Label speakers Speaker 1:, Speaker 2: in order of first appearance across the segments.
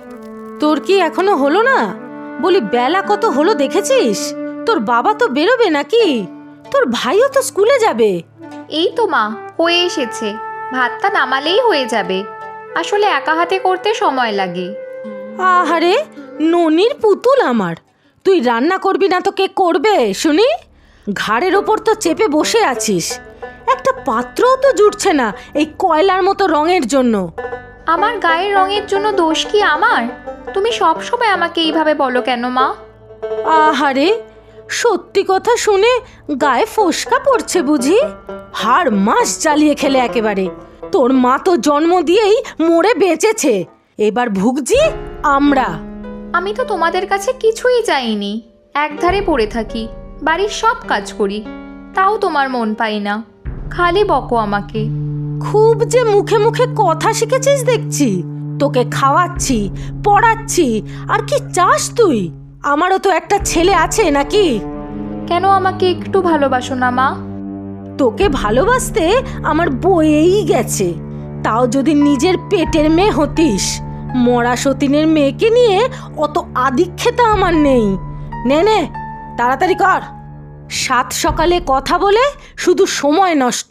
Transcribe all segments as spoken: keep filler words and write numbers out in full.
Speaker 1: তোর কি এখনো হলো না? বলি বেলা কত হলো দেখেছিস? তোর বাবা তো বেরোবে নাকি? তোর ভাইও তো স্কুলে যাবে।
Speaker 2: এই তো মা, হয়ে এসেছে। ভাতটা নামালেই হয়ে যাবে। আসলে একা হাতে করতে সময় লাগে।
Speaker 1: আহারে ননির পুতুল আমার, তুই রান্না করবি না তো কে করবে শুনি? ঘাড়ের ওপর তো চেপে বসে আছিস, একটা পাত্রও তো জুটছে না এই কয়লার মতো রঙের জন্য।
Speaker 2: আমার গায়ের রঙের জন্য দোষ কি আমার? তুমি সব সময় আমাকে এইভাবে বলো কেন মা?
Speaker 1: আহারে সত্যি কথা শুনে গায়ে ফোসকা পড়ছে বুঝি? হাড় মাস জ্বালিয়ে খেলে একেবারে। তোর মা তো জন্ম দিয়েই মরে বেঁচেছে, এবার ভুগছি আমরা।
Speaker 2: আমি তো তোমাদের কাছে কিছুই চাইনি, একধারে পড়ে থাকি, বাড়ির সব কাজ করি, তাও তোমার মন পাই না, খালি বকো আমাকে।
Speaker 1: খুব যে মুখে মুখে কথা শিখেছিস দেখছি। তোকে খাওয়াচ্ছি, পড়াচ্ছি, আর কি চাস তুই? আমারও তো একটা ছেলে আছে নাকি?
Speaker 2: কেন আমাকে একটু ভালোবাসো না মা?
Speaker 1: তোকে ভালোবাসতে আমার বয়েই গেছে। তাও যদি নিজের পেটের মেয়ে হতিস, মরা সতীনের মেয়েকে নিয়ে অত আদিক্ষেতা আমার নেই। নে নে তাড়াতাড়ি কর, সাত সকালে কথা বলে শুধু সময় নষ্ট।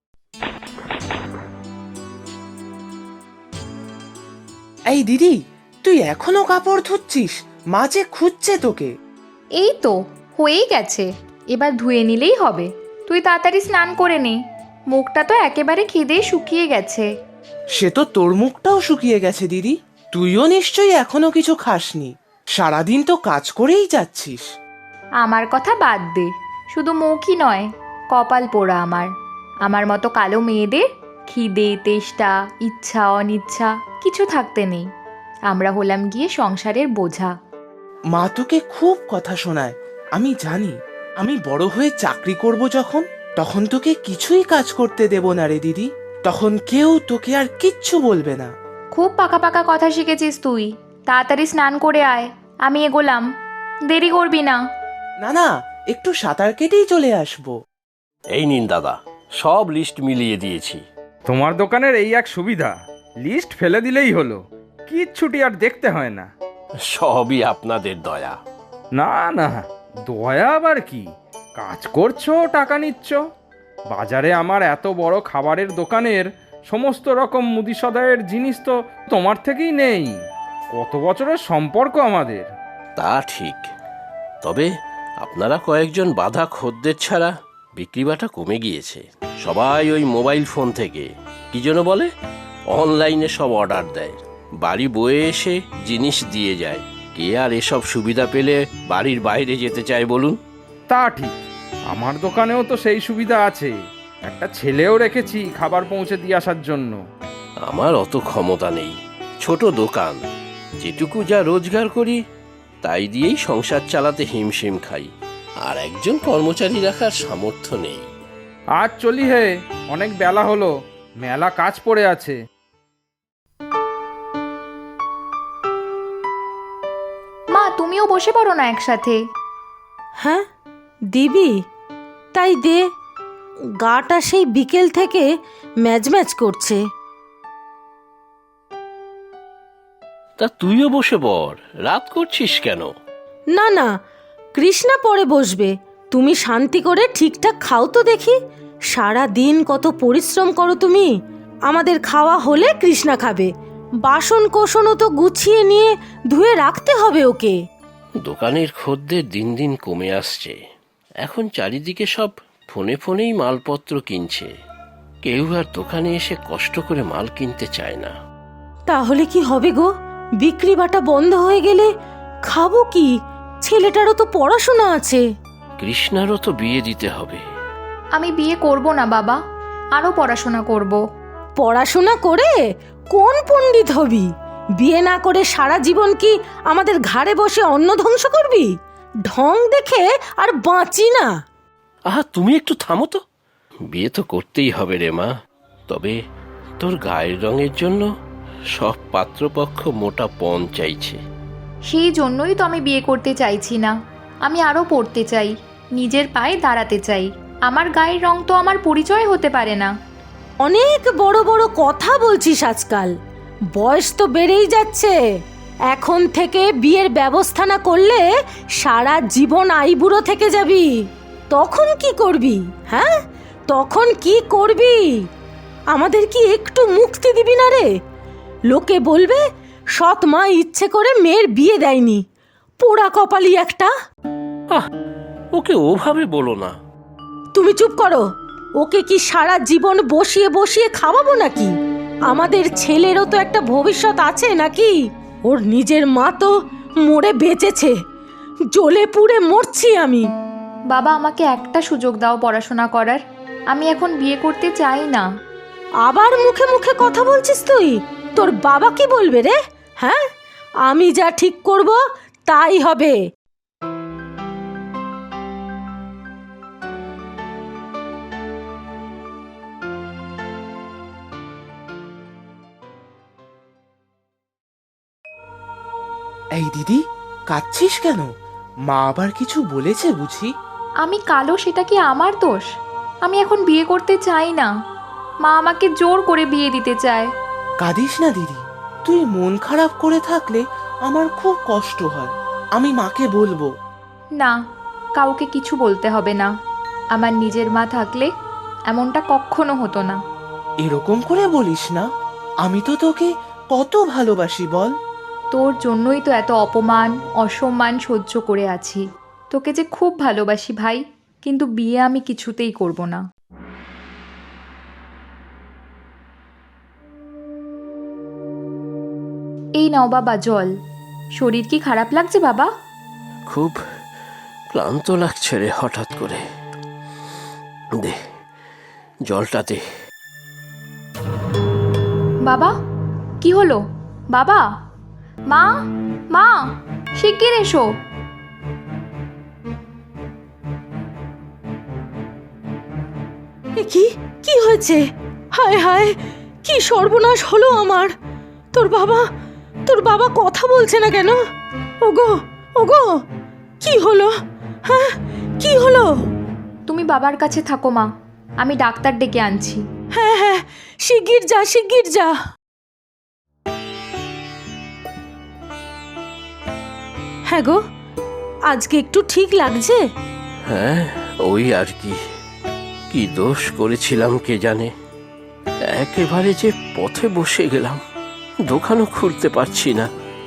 Speaker 3: এই দিদি, তুই এখনো কাপড় ধুচ্ছিস? মা যে খুঁজছে তোকে।
Speaker 2: এই তো হয়েই গেছে, এবার ধুয়ে নিলেই হবে। তুই তাড়াতাড়ি স্নান করে নে, মুখটা তো একেবারে খিদেই শুকিয়ে গেছে।
Speaker 3: সে তো তোর মুখটাও শুকিয়ে গেছে দিদি। তুইও নিশ্চয়ই এখনো কিছু খাসনি, সারাদিন তো কাজ করেই যাচ্ছিস।
Speaker 2: আমার কথা বাদ দে, শুধু মুখই নয়, কপাল পোড়া আমার। আমার মতো কালো মেয়েদের খিদে, তেষ্টা, ইচ্ছা, অনিচ্ছা কিছু থাকতে নেই। আমরা হলাম গিয়ে সংসারের বোঝা।
Speaker 3: মা তোকে খুব কথা শোনায়, আমি জানি। আমি বড় হয়ে চাকরি করব যখন, তখন তোকে কিছুই কাজ করতে দেব না রে দিদি। তখন কেউ তোকে আর কিচ্ছু বলবে না।
Speaker 2: খুব পাকা পাকা কথা শিখেছিস তুই। তাড়াতাড়ি স্নান করে আয়, আমি এগোলাম। দেরি করবি না।
Speaker 3: না না, একটু সাঁতার কেটেই চলে আসবো।
Speaker 4: এই নিন দাদা, সব লিস্ট মিলিয়ে দিয়েছি।
Speaker 5: তোমার দোকানের এই এক সুবিধা, লিস্ট ফেলে দিলেই হলো, কিচ্ছুটি আর দেখতে হয় না।
Speaker 4: সবই আপনাদের দয়া।
Speaker 5: না না, দয়া আবার কি? কাজ করছো, টাকা নিচ্ছ। বাজারে আমার এত বড় খাবারের দোকানের সমস্ত রকম মুদি সদাইয়ের জিনিস তো তোমার থেকেই নেই। কত বছরের সম্পর্ক আমাদের।
Speaker 4: তা ঠিক, তবে আপনারা কয়েকজন বাধা খদ্দের ছাড়া বিক্রিবাটা কমে গিয়েছে। সবাই ওই মোবাইল ফোন থেকে কি যেন বলে, অনলাইনে সব অর্ডার দেয়, বাড়ি বয়ে এসে জিনিস দিয়ে যায়। কে আর এসব সুবিধা পেলে বাড়ির বাইরে যেতে চায় বলুন?
Speaker 5: তা ঠিক, আমার দোকানেও তো সেই সুবিধা আছে। একটা ছেলেও রেখেছি খাবার পৌঁছে দিয়ে আসার জন্য।
Speaker 4: আমার অত ক্ষমতা নেই, ছোট দোকান, যেটুকু যা রোজগার করি তাই দিয়েই সংসার চালাতে হিমশিম খাই, আর একজন কর্মচারী রাখার সামর্থ্য নেই।
Speaker 5: আজ চলি হে, অনেক বেলা হলো, মেলা কাজ পড়ে আছে।
Speaker 2: মা, তুমিও বসে পড়ো না একসাথে।
Speaker 1: হ্যাঁ দিবি, তাই দে। গাটা সেই বিকেল থেকে ম্যাজ ম্যাজ করছে।
Speaker 4: তা তুইও বসে পড়, রাত করছিস কেন?
Speaker 1: না না, কৃষ্ণা পরে বসবে। তুমি শান্তি করে ঠিকঠাক খাও তো দেখি। সারা দিন কত পরিশ্রম করো তুমি। আমাদের খাওয়া হলে কৃষ্ণা খাবে। বাসন কোসনও তো গুছিয়ে নিয়ে ধুয়ে রাখতে হবে ওকে।
Speaker 4: দোকানের খদ্দের দিন দিন কমে আসছে। এখন চারিদিকে সব ফোনে ফোনেই মালপত্র কিনছে, কেউ আর দোকানে এসে কষ্ট করে মাল কিনতে চায় না।
Speaker 1: তাহলে কি হবে গো? বিক্রি বাটা বন্ধ হয়ে গেলে খাবো কি? ছেলেটারও তো পড়াশোনা আছে।
Speaker 4: কৃষ্ণারও তো বিয়ে দিতে হবে।
Speaker 2: আমি বিয়ে করব না বাবা, আরো পড়াশোনা করব।
Speaker 1: পড়াশোনা করে কোন পণ্ডিত হবি? বিয়ে না করে সারা জীবন কি আমাদের ঘাড়ে বসে অন্ন ধ্বংস করবি? ঢং দেখে আর বাঁচি না।
Speaker 4: আহা, তুমি একটু থামো তো। বিয়ে তো করতেই হবে রে মা, তবে তোর গায়ের রঙের জন্য সব পাত্রপক্ষ মোটা পণ চাইছে।
Speaker 2: সেই জন্যই তো আমি বিয়ে করতে চাইছি না। আমি আরো পড়তে চাই, নিজের পায়ে দাঁড়াতে চাই। আমার গায়ের রং তো আমার পরিচয় হতে পারে না।
Speaker 1: অনেক বড় বড় কথা বলছিস আজকাল। বয়স তো বেড়েই যাচ্ছে, এখন থেকে বিয়ের ব্যবস্থা না করলে সারা জীবন আইবুড়ো থেকে যাবি। তখন কি করবি? হ্যাঁ, তখন কি করবি? আমাদের কি একটু মুক্তি দিবি না রে? লোকে বলবে সৎ মা ইচ্ছে করে মেয়ের বিয়ে দেয়নি, পোড়া কপালি একটা।
Speaker 4: আহ ওকে ওভাবে বলো না।
Speaker 1: তুমি চুপ করো। ওকে কি সারা জীবন বসিয়ে বসিয়ে খাওয়াবো নাকি? আমাদের ছেলেরও তো একটা ভবিষ্যৎ আছে নাকি? ওর নিজের মা তো মরে বেঁচেছে, জ্বলে পুড়ে মরছি আমি।
Speaker 2: বাবা, আমাকে একটা সুযোগ দাও পড়াশোনা করার। আমি এখন বিয়ে করতে চাই না।
Speaker 1: আবার মুখে মুখে কথা বলছিস তুই? তোর বাবা কি বলবে রে? হ্যাঁ, আমি যা ঠিক করব তাই হবে।
Speaker 3: এই দিদি, কাঁদছিস কেন? মা আবার কিছু বলেছে বুঝি?
Speaker 2: আমি কালো, সেটা কি আমার দোষ? আমি এখন বিয়ে করতে চাই না। মা আমাকে জোর করে বিয়ে দিতে চায়।
Speaker 3: কাঁদিস না দিদি, তুই মন খারাপ করে থাকলে আমার খুব কষ্ট হয়। আমি মাকে বলবো।
Speaker 2: না, কাউকে কিছু বলতে হবে না। আমার নিজের মা থাকলে এমনটা কখনো হতো না।
Speaker 3: এরকম করে বলিস না, আমি তো তোকে কত ভালোবাসি বল।
Speaker 2: তোর জন্যই তো এত অপমান অসম্মান সহ্য করে আছি। তোকে যে খুব ভালোবাসি ভাই, কিন্তু বিয়ে আমি কিছুতেই করব না। এই নাও বাবা জল। শরীর কি খারাপ লাগছে বাবা?
Speaker 4: খুব ক্লান্ত লাগছে রে হঠাৎ করে। দে জলটা দে।
Speaker 2: বাবা, কি হলো? বাবা, মা, মা, শিগগির এসো।
Speaker 1: এ কি কি হয়েছে? হায় হায়, কি সর্বনাশ হলো আমার! তোর বাবা তোর বাবা কথা বলছে না কেন? ওগো ওগো, কি হলো? হ্যাঁ, কি হলো?
Speaker 2: তুমি বাবার কাছে থাকো মা, আমি ডাক্তার ডেকে আনছি।
Speaker 1: হ্যাঁ হ্যাঁ, শিগগির যা, শিগগির যা। হ্যাঁ গো, আজকে একটু ঠিক লাগছে?
Speaker 4: হ্যাঁ, ওই আর কি। কি দোষ করেছিলাম কে জানে, একেবারে যে পথে বসে গেলাম, দোকানও খুলতে পারছি না।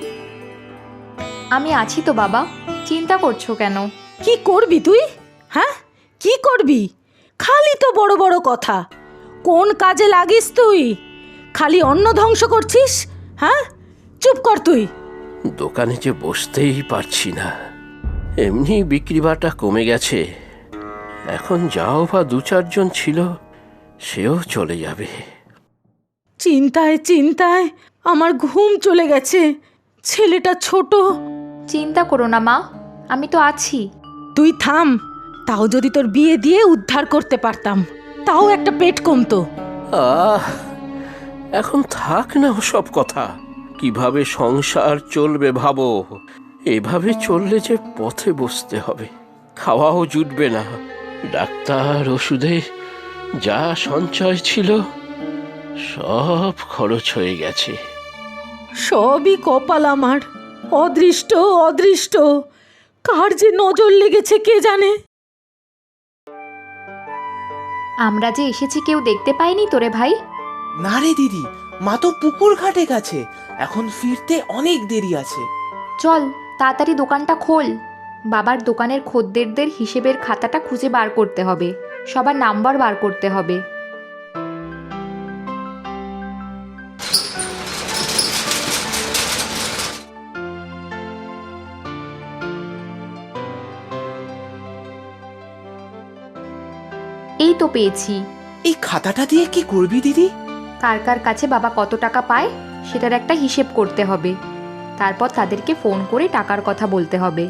Speaker 2: আমি আছি তো বাবা, চিন্তা করছো কেন?
Speaker 1: কি করবি তুই? হ্যাঁ, কি করবি? খালি তো বড় বড় কথা। কোন কাজে লাগিস তুই? খালি অন্ন ধ্বংস করছিস। হ্যাঁ, চুপ কর তুই।
Speaker 4: দোকানে যে বসতেই পারছি না, এমনি বিক্রি বাটা কমে গেছে। এখন যাও বা দু চারজন ছিল, সেও চলে যাবে।
Speaker 1: চিন্তায় চিন্তায় আমার ঘুম চলে গেছে। ছেলেটা ছোট।
Speaker 2: চিন্তা করো না মা, আমি তো আছি।
Speaker 1: তুই থাম। তাও যদি তোর বিয়ে দিয়ে উদ্ধার করতে পারতাম, তাও একটা পেট কমতো।
Speaker 4: আহ এখন থাক না সব কথা। কিভাবে সংসার চলবে ভাবো। এভাবে চললে যে পথে বসতে হবে, খাওয়াও জুটবে না। ডাক্তার ওষুধে যা সঞ্চয় ছিল সব খরচ হয়ে গেছে।
Speaker 1: সবই কপাল আমার। অদৃষ্ট অদৃষ্ট, কার যে নজর লেগেছে কে জানে।
Speaker 2: আমরা যে এসেছি কেউ দেখতে পায়নি তোরে ভাই?
Speaker 3: না রে দিদি, মা তো পুকুর ঘাটে গেছে, এখন ফিরতে অনেক দেরি আছে।
Speaker 2: চল তাড়াতাড়ি দোকানটা খোল। বাবার দোকানের খদ্দেরদের হিসেবের খাতাটা খুঁজে বার করতে হবে, সবার নাম্বার বার করতে হবে। এই তো পেয়েছি।
Speaker 3: এই খাতাটা দিয়ে কি করবি দিদি?
Speaker 2: কার কার কাছে বাবা কত টাকা পায় সেটার একটা হিসেব করতে হবে। তারপর তাদেরকে ফোন করে টাকার কথা বলতে হবে।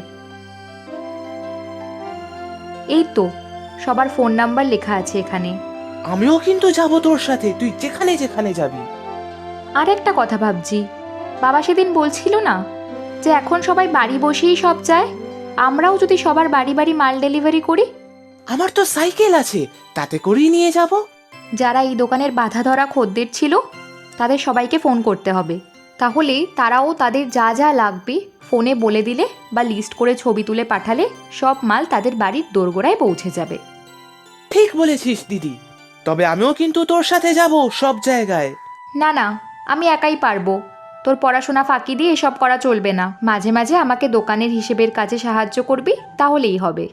Speaker 2: এই তো সবার ফোন নাম্বার লেখা আছে এখানে।
Speaker 3: আমিও কিন্তু যাব তোর সাথে, তুই যেখানে যেখানে যাবি।
Speaker 2: আর একটা কথা ভাবছি, বাবা সেদিন বলছিল না যে এখন সবাই বাড়ি বসেই সব চায়? আমরাও যদি সবার বাড়ি বাড়ি মাল ডেলিভারি করি?
Speaker 3: আমার তো সাইকেল আছে, তাতে করেই নিয়ে যাব।
Speaker 2: যারা এই দোকানের বাধা ধরা খদ্দের ছিল তাদের সবাইকে ফোন করতে হবে। তাহলে তারাও তাদের যা যা লাগবে ফোনে বলে দিলে বা লিস্ট করে ছবি তুলে পাঠালে সব মাল তাদের বাড়ির দোরগোড়ায় পৌঁছে যাবে।
Speaker 3: ঠিক বলেছিস দিদি, তবে আমিও কিন্তু তোর সাথে যাব সব জায়গায়।
Speaker 2: না না, আমি একাই পারবো। তোর পড়াশোনা ফাঁকি দিয়ে এসব করা চলবে না। মাঝে মাঝে আমাকে দোকানের হিসেবের কাজে সাহায্য করবি, তাহলেই হবে।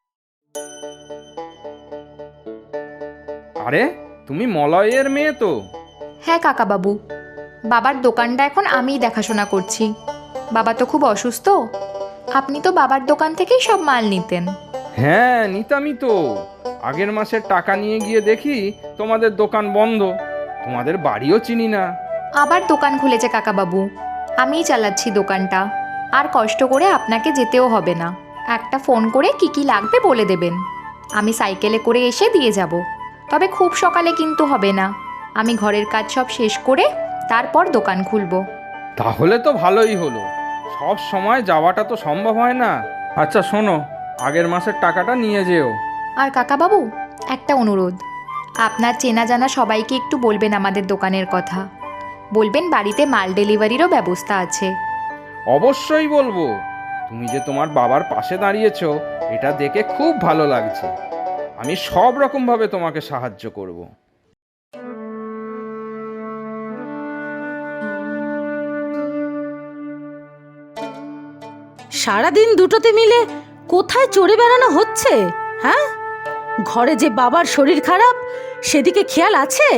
Speaker 5: আরে তুমি মলয়ের মেয়ে তো?
Speaker 2: হ্যাঁ কাকাবাবু, বাবার দোকানটা এখন আমিই দেখাশোনা করছি। বাবা তো খুব অসুস্থ। আপনি তো বাবার দোকান থেকেই সব মাল নিতেন।
Speaker 5: হ্যাঁ নিতামই তো। আগের মাসের টাকা নিয়ে গিয়ে দেখি তোমাদের দোকান বন্ধ, তোমাদের বাড়িও চিনি না।
Speaker 2: আবার দোকান খুলেছে কাকাবাবু, আমিই চালাচ্ছি দোকানটা। আর কষ্ট করে আপনাকে যেতেও হবে না। একটা ফোন করে কি কি লাগবে বলে দেবেন, আমি সাইকেলে করে এসে দিয়ে যাব। তবে খুব সকালে কিন্তু হবে না, আমি ঘরের কাজ সব শেষ করে তারপর দোকান খুলব।
Speaker 5: তাহলে তো ভালোই হলো, সব সময় যাওয়াটা তো সম্ভব হয় না। আচ্ছা শোনো, আগের মাসের টাকাটা নিয়ে যেও।
Speaker 2: আর কাকাবাবু, একটা অনুরোধ, আপনার চেনা জানা সবাইকে একটু বলবেন আমাদের দোকানের কথা। বলবেন বাড়িতে মাল ডেলিভারিরও ব্যবস্থা আছে।
Speaker 5: অবশ্যই বলবো। তুমি যে তোমার বাবার পাশে দাঁড়িয়েছো এটা দেখে খুব ভালো লাগছে। আমি সব রকমভাবে তোমাকে সাহায্য করব।
Speaker 1: সারাদিন দুটোতে মিলে কোথায় চড়ে বেড়ানো হচ্ছে? হ্যাঁ, ঘরে যে বাবার শরীর খারাপ সেদিকে খেয়াল আছে?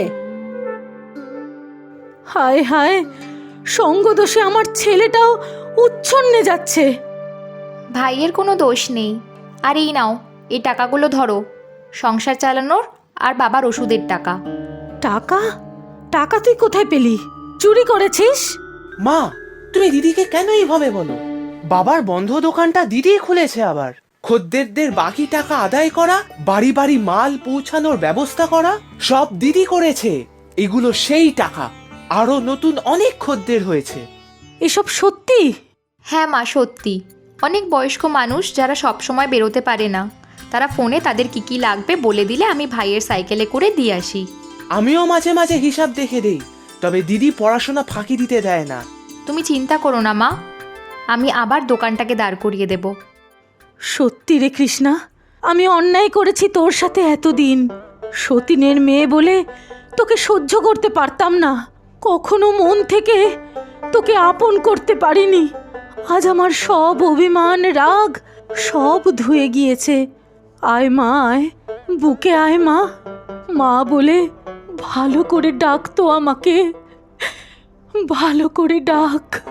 Speaker 1: হায় হায়, সঙ্গদোষে আমার ছেলেটাও উচ্ছন্নে যাচ্ছে।
Speaker 2: ভাইয়ের কোনো দোষ নেই। আর এই নাও, এই টাকাগুলো ধরো, সংসার চালানোর আর বাবার ওষুধের টাকা।
Speaker 1: টাকা? টাকা তুই কোথায় পেলি? চুরি করেছিস?
Speaker 3: মা, তুমি দিদিকে কেন এইভাবে বলো? বাবার বন্ধ দোকানটা দিদি খুলেছে। আবার খদ্দেরদের বাকি টাকা আদায় করা, বাড়ি বাড়ি মাল পৌঁছানোর ব্যবস্থা করা, সব দিদি করেছে। এগুলো সেই টাকা। আরো নতুন অনেক খদ্দের হয়েছে।
Speaker 1: এসব সত্যি?
Speaker 2: হ্যাঁ মা, সত্যি। অনেক বয়স্ক মানুষ যারা সব সময় বেরোতে পারে না, তারা ফোনে তাদের কি কি লাগবে বলে দিলে আমি ভাইয়ের সাইকেলে করে দিয়ে আসি।
Speaker 3: আমিও মাঝে মাঝে হিসাব দেখে দেই, তবে দিদি পড়াশোনা ফাঁকি দিতে দেয় না।
Speaker 2: তুমি চিন্তা করো না মা, আমি আবার দোকানটাকে দাঁড় করিয়ে দেব।
Speaker 1: সত্যি রে কৃষ্ণা, আমি অন্যায় করেছি তোর সাথে এতদিন। সতীনের মেয়ে বলে তোকে সহ্য করতে পারতাম না, কখনো মন থেকে তোকে আপন করতে পারিনি। আজ আমার সব অভিমান রাগ সব ধুয়ে গিয়েছে। আয় মা, আয়, বুকে আয় মা। মা বলে ভালো করে ডাকতো আমাকে, ভালো করে ডাক।